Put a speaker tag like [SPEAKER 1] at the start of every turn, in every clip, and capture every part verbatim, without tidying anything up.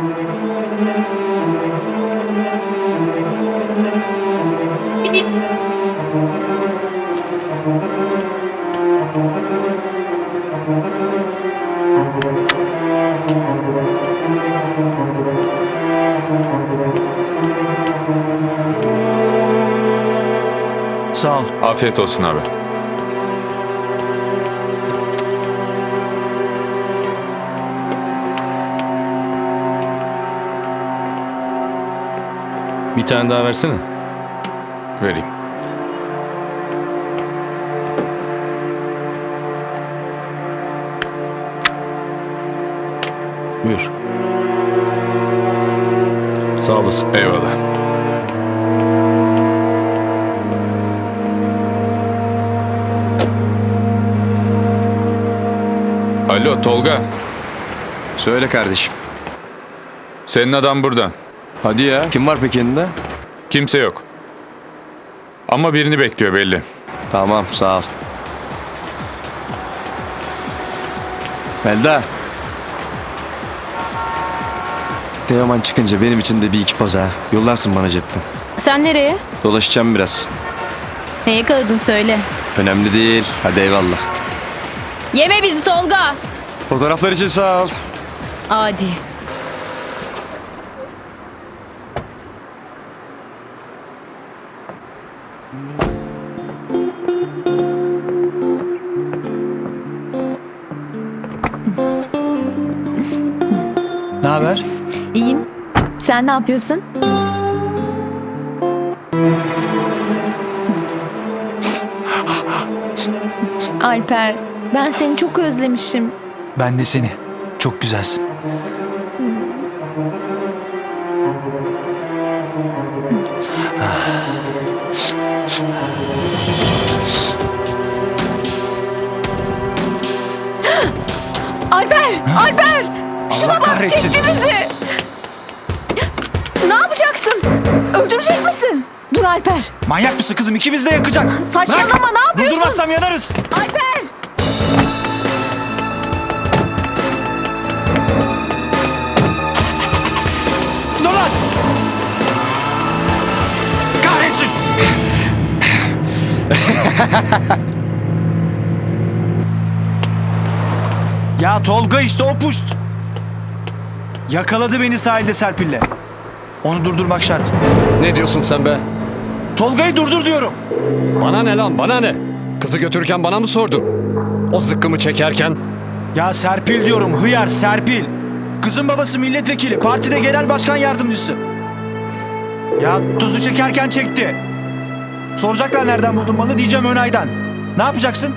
[SPEAKER 1] Sağ ol.
[SPEAKER 2] Afiyet olsun abi.
[SPEAKER 3] Bir tane daha versene.
[SPEAKER 2] Vereyim.
[SPEAKER 3] Buyur. Sağ olasın.
[SPEAKER 2] Eyvallah. Alo Tolga.
[SPEAKER 1] Söyle kardeşim.
[SPEAKER 2] Senin adam burada.
[SPEAKER 1] Hadi ya. Kim var peki yanında?
[SPEAKER 2] Kimse yok. Ama birini bekliyor belli.
[SPEAKER 1] Tamam, sağ ol. Melda. Teoman çıkınca benim için de bir iki poz ha. Yollarsın bana cepten.
[SPEAKER 4] Sen nereye?
[SPEAKER 1] Dolaşacağım biraz.
[SPEAKER 4] Ne yakaladın söyle.
[SPEAKER 1] Önemli değil. Hadi eyvallah.
[SPEAKER 4] Yeme bizi Tolga.
[SPEAKER 1] Fotoğraflar için sağ ol.
[SPEAKER 4] Adi.
[SPEAKER 1] Ne haber?
[SPEAKER 4] İyiyim. Sen ne yapıyorsun? Alper, ben seni çok özlemişim.
[SPEAKER 5] Ben de seni. Çok güzelsin.
[SPEAKER 4] Alper! Alper! Şuna
[SPEAKER 5] Allah
[SPEAKER 4] bak,
[SPEAKER 5] kahretsin.
[SPEAKER 4] çekti bizi! Ne yapacaksın? Öldürecek misin? Dur Alper.
[SPEAKER 5] Manyak mısın kızım? İkimiz de yakacak.
[SPEAKER 4] Saçmalama,
[SPEAKER 5] Bırak.
[SPEAKER 4] ne yapıyorsun?
[SPEAKER 5] Durdurmazsam yanarız.
[SPEAKER 4] Alper!
[SPEAKER 5] Dur lan! Kahretsin! Ya Tolga işte o puşt. Yakaladı beni sahilde Serpil'le. Onu durdurmak şart.
[SPEAKER 3] Ne diyorsun sen be?
[SPEAKER 5] Tolga'yı durdur diyorum.
[SPEAKER 3] Bana ne lan, bana ne? Kızı götürürken bana mı sordun? O zıkkımı çekerken?
[SPEAKER 5] Ya Serpil diyorum, hıyar Serpil. Kızın babası milletvekili, partide genel başkan yardımcısı. Ya tuzu çekerken çekti. Soracaklar nereden buldun malı, diyeceğim Önay'dan. Ne yapacaksın?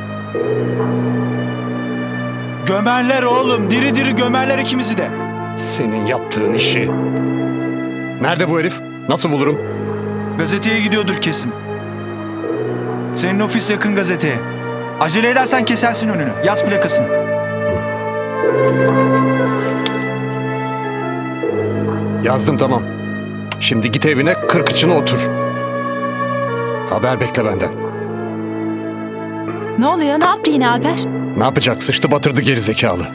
[SPEAKER 5] Gömerler oğlum, diri diri gömerler ikimizi de.
[SPEAKER 3] Senin yaptığın işi. Nerede bu herif? Nasıl bulurum?
[SPEAKER 5] Gazeteye gidiyordur kesin. Senin ofis yakın gazeteye. Acele edersen kesersin önünü. Yaz plakasını.
[SPEAKER 3] Yazdım, tamam. Şimdi git evine, kır kıçına otur. Haber bekle benden.
[SPEAKER 6] Ne oluyor? Ne yaptı yine Alper?
[SPEAKER 3] Ne yapacak? Sıçtı batırdı gerizekalı.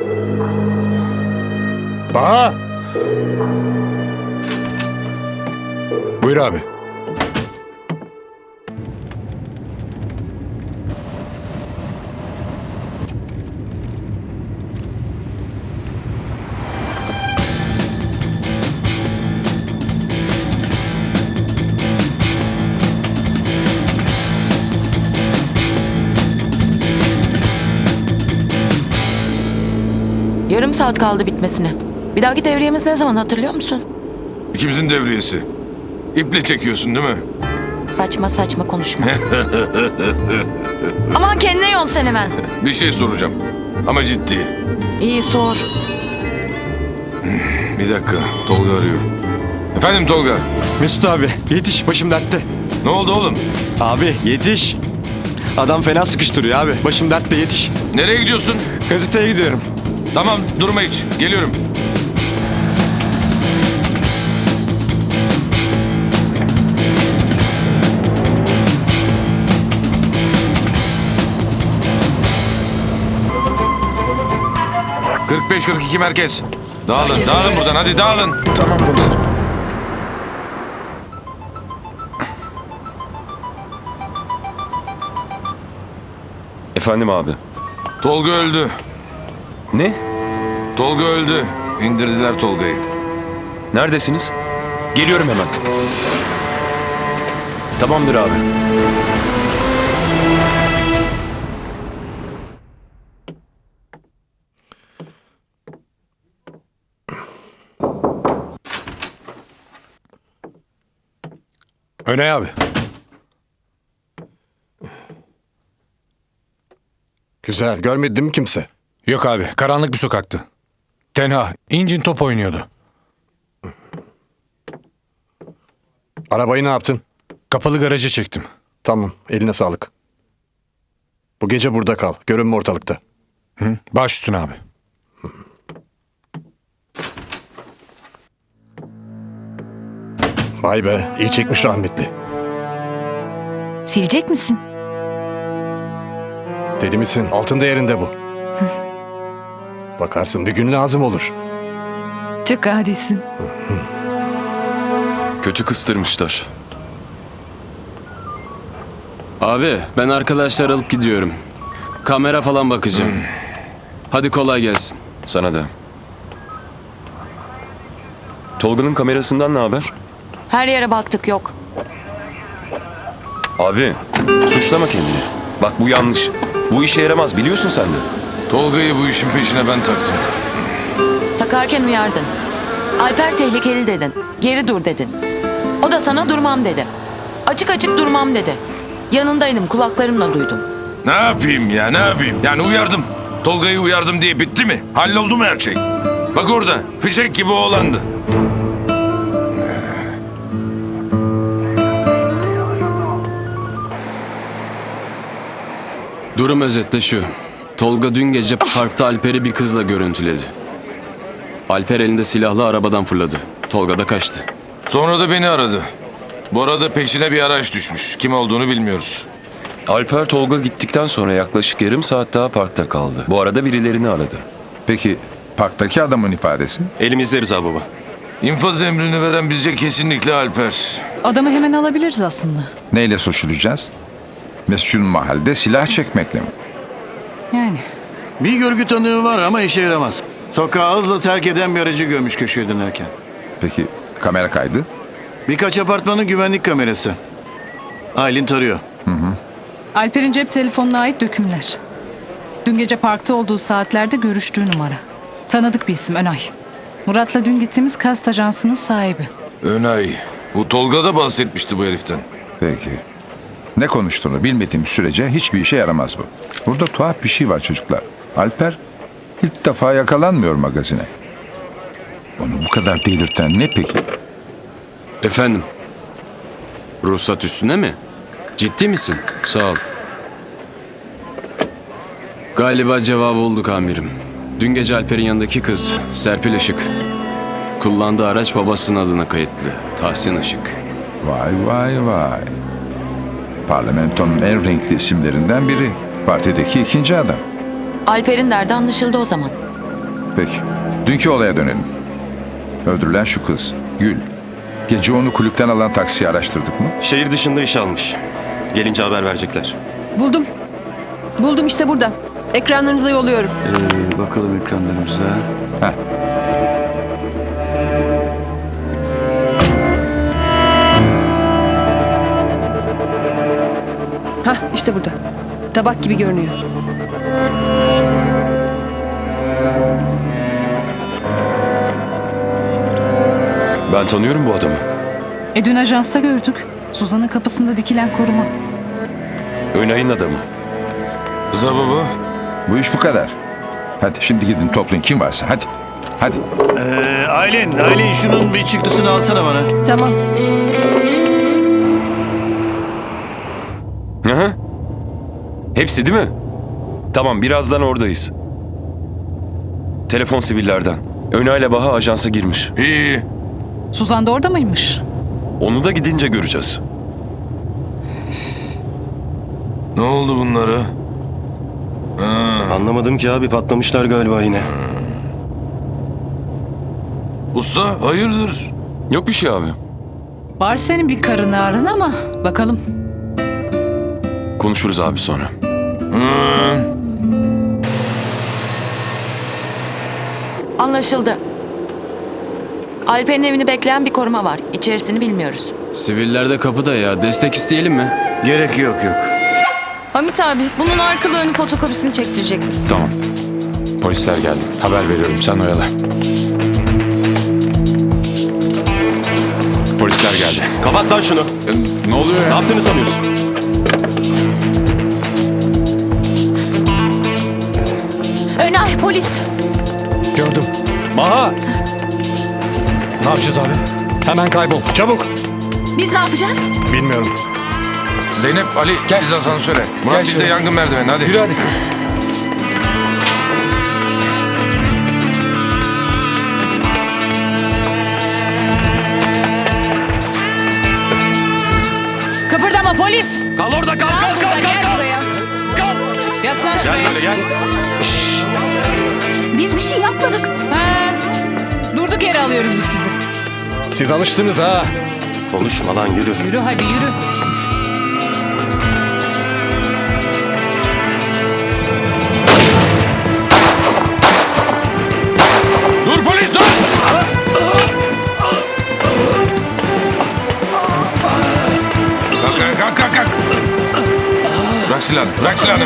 [SPEAKER 3] Baha! Buyur abi.
[SPEAKER 6] Yarım saat kaldı bitmesine. Bir dahaki devriyemiz ne zaman, hatırlıyor musun?
[SPEAKER 7] İkimizin devriyesi. İple çekiyorsun değil mi?
[SPEAKER 6] Saçma saçma konuşma. Aman kendine yol sen hemen.
[SPEAKER 7] Bir şey soracağım. Ama ciddi.
[SPEAKER 6] İyi sor.
[SPEAKER 7] Bir dakika. Tolga arıyor. Efendim Tolga.
[SPEAKER 1] Mesut abi yetiş, başım dertte.
[SPEAKER 7] Ne oldu oğlum?
[SPEAKER 1] Abi yetiş. Adam fena sıkıştırıyor abi. Başım dertte, yetiş.
[SPEAKER 7] Nereye gidiyorsun?
[SPEAKER 1] Gazeteye gidiyorum.
[SPEAKER 7] Tamam durma hiç. Geliyorum. kırk beş kırk iki merkez. Dağılın, dağılın buradan. Hadi dağılın.
[SPEAKER 2] Tamam komiserim.
[SPEAKER 1] Efendim abi.
[SPEAKER 7] Tolga öldü.
[SPEAKER 1] Ne?
[SPEAKER 7] Tolga öldü. İndirdiler Tolga'yı.
[SPEAKER 1] Neredesiniz? Geliyorum hemen. Tamamdır abi.
[SPEAKER 8] Önay abi.
[SPEAKER 3] Güzel. Görmedi değil mi kimse?
[SPEAKER 8] Yok abi, karanlık bir sokaktı. Tenha, incin top oynuyordu.
[SPEAKER 3] Arabayı ne yaptın?
[SPEAKER 8] Kapalı garaja çektim.
[SPEAKER 3] Tamam. Eline sağlık. Bu gece burada kal. Görünme ortalıkta.
[SPEAKER 8] Hı? Baş üstüne abi.
[SPEAKER 3] Vay be. İyi çekmiş rahmetli.
[SPEAKER 4] Silecek misin?
[SPEAKER 3] Deli misin? Altın değerinde bu. Bakarsın bir gün lazım olur.
[SPEAKER 4] Çok adisin.
[SPEAKER 1] Kötü kıstırmışlar.
[SPEAKER 9] Abi ben arkadaşlar alıp gidiyorum. Kamera falan bakacağım. Hadi kolay gelsin.
[SPEAKER 1] Sana da. Tolga'nın kamerasından ne haber?
[SPEAKER 6] Her yere baktık, yok.
[SPEAKER 1] Abi suçlama kendini. Bak bu yanlış. Bu işe yaramaz biliyorsun sen de.
[SPEAKER 7] Tolga'yı bu işin peşine ben taktım.
[SPEAKER 6] Takarken uyardın. Alper tehlikeli dedin. Geri dur dedin. O da sana durmam dedi. Açık açık durmam dedi. Yanındaydım, kulaklarımla duydum.
[SPEAKER 7] Ne yapayım ya, ne yapayım? Yani uyardım. Tolga'yı uyardım diye bitti mi? Halloldu mu her şey? Bak orada, fişek gibi oğlandı.
[SPEAKER 9] Durum özetle şu. Tolga dün gece parkta Alper'i bir kızla görüntüledi. Alper elinde silahlı arabadan fırladı. Tolga da kaçtı.
[SPEAKER 7] Sonra da beni aradı. Bu arada peşine bir araç düşmüş. Kim olduğunu bilmiyoruz.
[SPEAKER 1] Alper Tolga gittikten sonra yaklaşık yarım saat daha parkta kaldı. Bu arada birilerini aradı.
[SPEAKER 10] Peki parktaki adamın ifadesi?
[SPEAKER 1] Elimizde Rıza baba.
[SPEAKER 7] İnfaz emrini veren bizce kesinlikle Alper.
[SPEAKER 11] Adamı hemen alabiliriz aslında.
[SPEAKER 10] Neyle suçlayacağız? Mesul mahalde silah çekmekle mi?
[SPEAKER 11] Yani.
[SPEAKER 5] Bir görgü tanığı var ama işe yaramaz. Sokağı hızla terk eden bir aracı görmüş köşeye dönerken.
[SPEAKER 10] Peki kamera kaydı?
[SPEAKER 5] Birkaç apartmanın güvenlik kamerası. Aylin tarıyor.
[SPEAKER 11] Alper'in cep telefonuna ait dökümler. Dün gece parkta olduğu saatlerde görüştüğü numara. Tanıdık bir isim, Önay. Murat'la dün gittiğimiz kast ajansının sahibi.
[SPEAKER 7] Önay. Bu Tolga da bahsetmişti bu heriften.
[SPEAKER 10] Peki. Ne konuştuğunu bilmediğim sürece hiçbir işe yaramaz bu. Burada tuhaf bir şey var çocuklar. Alper ilk defa yakalanmıyor magazine. Onu bu kadar delirten ne peki?
[SPEAKER 9] Efendim? Ruhsat üstüne mi? Ciddi misin? Sağ ol. Galiba cevabı bulduk amirim. Dün gece Alper'in yanındaki kız Serpil Işık. Kullandığı araç babasının adına kayıtlı. Tahsin Işık.
[SPEAKER 10] Vay vay vay. Parlamentonun en renkli isimlerinden biri. Partideki ikinci adam.
[SPEAKER 6] Alper'in derdi anlaşıldı o zaman.
[SPEAKER 10] Peki. Dünkü olaya dönelim. Öldürülen şu kız, Gül. Gece onu kulüpten alan taksiyi araştırdık mı?
[SPEAKER 1] Şehir dışında iş almış. Gelince haber verecekler.
[SPEAKER 11] Buldum. Buldum işte burada. Ekranlarınıza yolluyorum.
[SPEAKER 5] Ee, bakalım ekranlarımıza.
[SPEAKER 10] Heh.
[SPEAKER 11] Hah işte burada. Tabak gibi görünüyor.
[SPEAKER 1] Ben tanıyorum bu adamı.
[SPEAKER 11] E dün ajansta gördük. Suzan'ın kapısında dikilen koruma.
[SPEAKER 1] Önay'ın adamı.
[SPEAKER 7] Rıza baba.
[SPEAKER 10] Bu iş bu kadar. Hadi şimdi gidin toplayın kim varsa hadi. Hadi.
[SPEAKER 5] Ee, Aylin, Aylin şunun bir çıktısını alsana bana.
[SPEAKER 11] Tamam.
[SPEAKER 1] Hı hı. Hepsi değil mi? Tamam birazdan oradayız. Telefon sivillerden. Önay'la Baha ajansa girmiş.
[SPEAKER 7] İyi.
[SPEAKER 11] Suzan da orada mıymış?
[SPEAKER 1] Onu da gidince göreceğiz.
[SPEAKER 7] Ne oldu bunlara? Ha.
[SPEAKER 1] Anlamadım ki abi patlamışlar galiba yine.
[SPEAKER 7] Usta hayırdır?
[SPEAKER 1] Yok bir şey abi.
[SPEAKER 11] Var senin bir karın ağrın ama bakalım.
[SPEAKER 1] Konuşuruz abi sonra.
[SPEAKER 7] Hı.
[SPEAKER 6] Anlaşıldı. Alper'in evini bekleyen bir koruma var. İçerisini bilmiyoruz.
[SPEAKER 9] Siviller de kapıda ya. Destek isteyelim mi?
[SPEAKER 2] Gerek yok yok.
[SPEAKER 4] Hamit abi bunun arkalı önü fotokopisini çektirecek misin?
[SPEAKER 2] Tamam. Polisler geldi. Haber veriyorum, sen oyala. Polisler geldi.
[SPEAKER 1] Kapat lan şunu.
[SPEAKER 2] Ne oluyor ya?
[SPEAKER 1] Ne yaptığını sanıyorsun?
[SPEAKER 4] Önay polis.
[SPEAKER 3] Gördüm. Baha,
[SPEAKER 8] Ne yapacağız abi?
[SPEAKER 3] hemen kaybol. Çabuk.
[SPEAKER 4] Biz ne yapacağız?
[SPEAKER 3] Bilmiyorum.
[SPEAKER 7] Zeynep, Ali siz asansöre. Murat biz de
[SPEAKER 8] şöyle.
[SPEAKER 7] yangın merdiveni hadi.
[SPEAKER 8] Yürü hadi.
[SPEAKER 11] Kıpırdama polis.
[SPEAKER 1] Kal orada kal kal kal
[SPEAKER 11] Gel
[SPEAKER 1] kal.
[SPEAKER 11] buraya. Yaslan şuraya.
[SPEAKER 1] Gel böyle gel.
[SPEAKER 4] Biz bir şey yapmadık.
[SPEAKER 11] Ha, durduk yere alıyoruz biz sizi.
[SPEAKER 3] Siz alıştınız ha.
[SPEAKER 1] Konuşma lan yürü.
[SPEAKER 11] Yürü hadi yürü.
[SPEAKER 7] Dur polis dur! Kalk kalk kalk kalk. Bırak silahını, bırak silahını.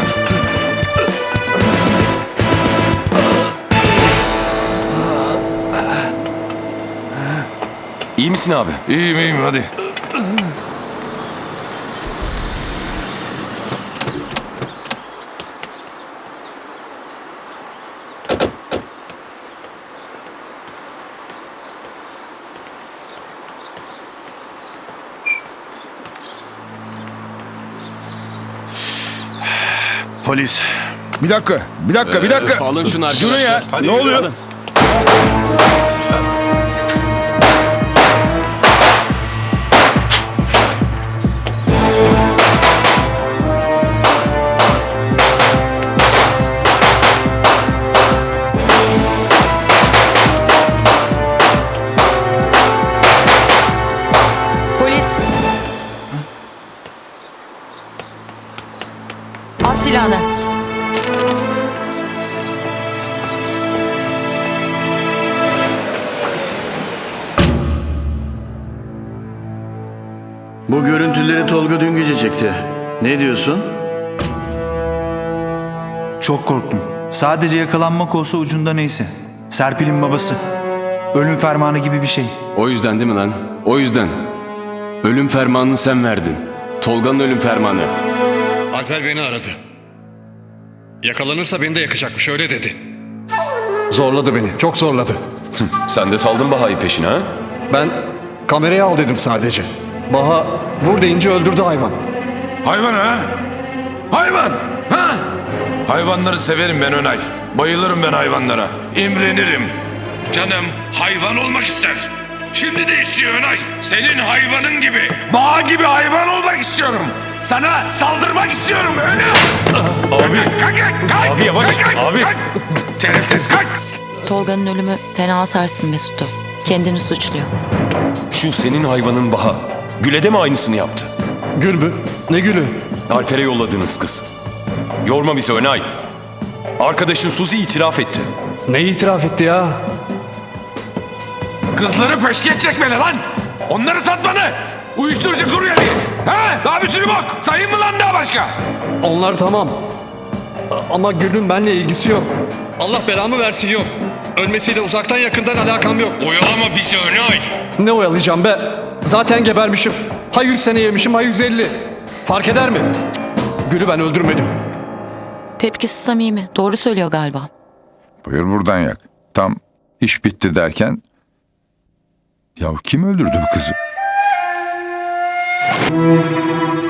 [SPEAKER 1] İyi misin abi?
[SPEAKER 7] İyiyim iyiyim hadi.
[SPEAKER 2] Polis. Bir dakika, bir dakika, bir dakika.
[SPEAKER 9] Öf, alın şunu arkadaşlar.
[SPEAKER 2] Durun ya.
[SPEAKER 9] Hadi
[SPEAKER 2] Ne
[SPEAKER 9] yürü,
[SPEAKER 2] oluyor?
[SPEAKER 9] alın.
[SPEAKER 6] Polis. At silahını.
[SPEAKER 12] Bu görüntüleri Tolga dün gece çekti. Ne diyorsun?
[SPEAKER 5] Çok korktum. Sadece yakalanmak olsa ucunda neyse. Serpil'in babası. Ölüm fermanı gibi bir şey.
[SPEAKER 9] O yüzden değil mi lan? O yüzden. Ölüm fermanını sen verdin. Tolga'nın ölüm fermanı.
[SPEAKER 3] Alper beni aradı. Yakalanırsa beni de yakacakmış, öyle dedi. Zorladı beni, çok zorladı.
[SPEAKER 1] Sen de saldın Baha'yı peşine ha?
[SPEAKER 3] Ben kamerayı al dedim sadece. Baha vur deyince öldürdü hayvan.
[SPEAKER 7] Hayvan ha? Hayvan! Ha? Hayvanları severim ben Önay. Bayılırım ben hayvanlara. İmrenirim. Canım hayvan olmak ister. Şimdi de istiyor Önay. Senin hayvanın gibi, bağ gibi hayvan olmak istiyorum. Sana saldırmak istiyorum Önay. Abi. Kalk kalk kalk.
[SPEAKER 8] Abi yavaş,
[SPEAKER 7] Kalk, kalk,
[SPEAKER 8] abi.
[SPEAKER 7] kalk. Şerefsiz kalk.
[SPEAKER 6] Tolga'nın ölümü fena sarstı Mesut'u. Kendini suçluyor.
[SPEAKER 1] Şu senin hayvanın Baha. Gül'e de mi aynısını yaptı?
[SPEAKER 3] Gül mü? Ne gülü?
[SPEAKER 1] Alper'e yolladığınız kız. Yorma bizi Önay. Arkadaşın Suzi itiraf etti.
[SPEAKER 3] Neyi itiraf etti ya?
[SPEAKER 7] Kızları peşkeş çekmeli lan. Onları satmanı. Uyuşturucu kuryeli. Ha? Daha bir sürü bok. Sayayım mı lan daha başka?
[SPEAKER 3] Onlar tamam. A- Ama Gül'ün benimle ilgisi yok. Allah belamı versin yok. Ölmesiyle uzaktan yakından alakam yok.
[SPEAKER 1] Oyalama bizi Önay.
[SPEAKER 3] Ne oyalayacağım be? Zaten gebermişim. Ha yüz sene yemişim ha yüz elli. Fark eder mi? Cık, Gül'ü ben öldürmedim.
[SPEAKER 6] Tepkisi samimi. Doğru söylüyor galiba.
[SPEAKER 10] Buyur buradan yak. Tam iş bitti derken... Ya kim öldürdü bu kızı?